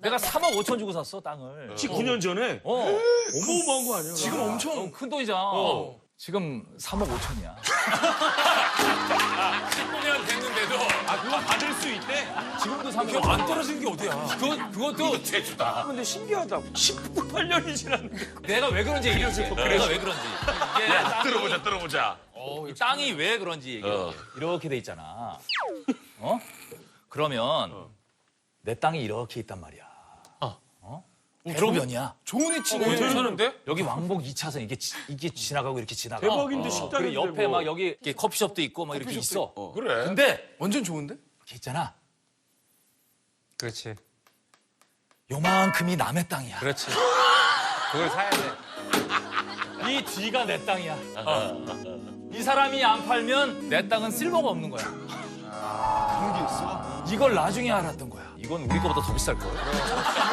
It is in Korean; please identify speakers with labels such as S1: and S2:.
S1: 내가 3억 5천 주고 샀어 땅을.
S2: 19년 전에? 어마어마한 거 아니야?
S1: 지금 엄청 큰 돈이잖아. 지금 3억 5천이야.
S3: 19년 됐는데도
S2: 그거 받을 수 있대?
S1: 지금도 3억
S3: 그거 안 떨어지는 게 어디야?
S1: 그것도
S2: 제주다. 근데 신기하다. 18년이 지났는데.
S1: 내가 왜 그런지 얘기해줄게. 내가 왜 그런지. 이게 땅이,
S2: 들어보자.
S1: 이 땅이 왜 그런지 얘기해. 이렇게 돼 있잖아. 어? 그러면 내 땅이 이렇게 있단 말이야. 대로변이야.
S4: 좋은 위치네.
S3: 괜찮은데?
S1: 여기 왕복 2차선 이게 지나가고 이렇게 지나가.
S2: 대박인데 식당인데
S1: 그리고 옆에
S2: 뭐.
S1: 막 여기 이렇게 커피숍도 있고 막 이렇게 있어.
S2: 그래.
S1: 근데
S4: 완전 좋은데?
S1: 이렇게 있잖아.
S3: 그렇지.
S1: 요만큼이 남의 땅이야.
S3: 그렇지. 그걸 사야 돼.
S1: 이 뒤가 내 땅이야. 이 사람이 안 팔면 내 땅은 쓸모가 없는 거야.
S4: 그런 게 있어?
S1: 이걸 나중에 알았던 거야. 이건 우리 거보다 더 비쌀 거야.